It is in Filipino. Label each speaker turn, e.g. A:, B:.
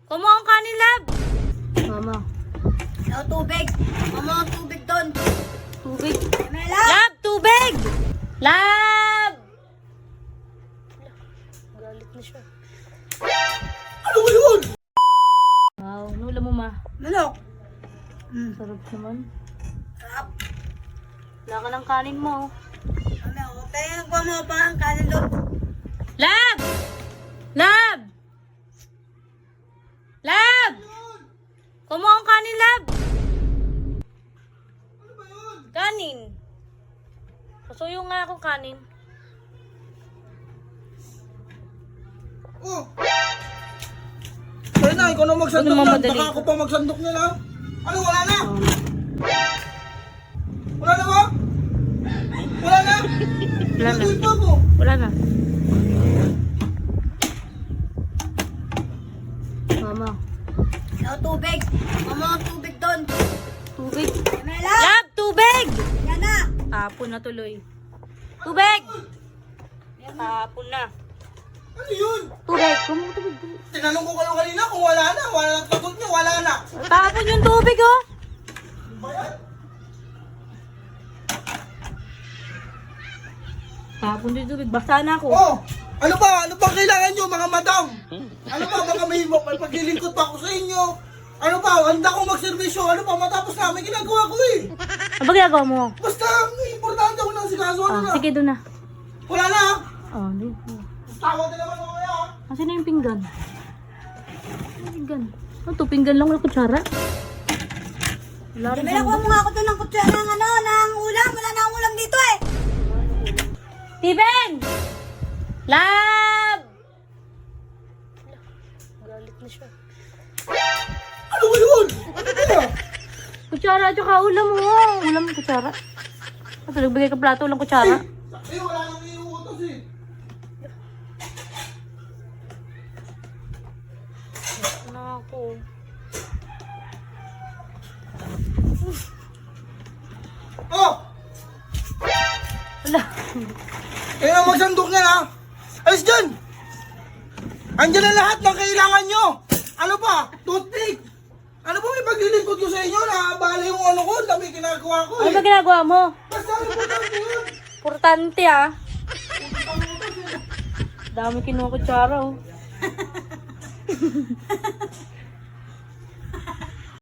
A: Kumuha ang kanin, Lab.
B: Mama.
C: Ano, tubig? Mama, tubig doon.
B: Tubig.
C: Mela!
A: Lab, tubig! Lab! Galit na siya.
D: Ano ba yun?
A: Wow, nula mo, ma.
C: Manok.
A: Sarap naman.
C: Sarap.
A: Wala ka ng kanin mo.
C: Ano, kaya nagpa mo pa ang kanin doon.
A: Lab! Lab! Lab! Kumuha ang kanin, Lab.
D: Ano ba yun?
A: Kanin. Pasuyo nga akong kanin.
D: Oh! Kaya na, ikaw na magsandok
A: Ano,
D: yan.
A: mamadali
D: Baka
A: ka?
D: ako pa magsandok niya na. Ano, wala na? Wala na ba? Wala na?
A: Wala na.
D: Nagawin pa ako.
A: Wala na.
B: Mama.
C: Ano, tubig? Mama, tubig doon.
B: Tubig.
C: Mela!
A: Lab, tubig!
C: Yan na!
A: Tapon na tuloy. Tubig! Tapon na.
D: Ano yun?
B: Tubig. Kumuha tubig.
D: Tinanong ko kayo kanina kung wala na. Wala na. Tagot niyo, wala na.
A: Tapon yung tubig, oh.
D: Ano ba yan?
A: Tapon yung tubig. Basta na ako.
D: Oh! Ano ba? Ano ba kailangan nyo mga madam? Ano ba? Baka may paglilingkod pa ako sa inyo. Ano ba? Handa akong magservisyo. Ano ba? Matapos na. May ginagawa ko eh.
A: Ano ba ginagawa mo?
D: Basta, importante ako ng sikaso. Ano na?
A: Sige, doon na.
D: Wala na.
A: Oh, di.
D: Tawag ka naman mamaya.
A: Kasi na yung pinggan. Yung pinggan. Ano to? Pinggan lang, wala kutsara. Wala rin.
C: Mela, kuha mo nga ako doon ng kutsara ng ano, ng ulam. Wala na akong ulam dito eh.
A: Steven! Lab! Galit na siya.
D: Ano ba yun? Ano ba?
A: Kutsara at saka ulam mo. Ulam, kutsara. Ito, nagbigay ka plato, ulang kutsara.
D: Eh, wala nang iuutos eh.
A: Ano ako?
D: Oh!
A: Wala.
D: Kaya na magsandok niya ha. Alis dyan! Andyan na lahat ng kailangan nyo! Ano pa? Toothpick! Ano ba may paglilingkod ko sa inyo? Nakabala yung ano ko, ang dami ginagawa ko
A: Ano
D: eh.
A: ba ginagawa mo?
D: Basta importante yun.
A: Importante ah. Dami kinuha kutsara oh.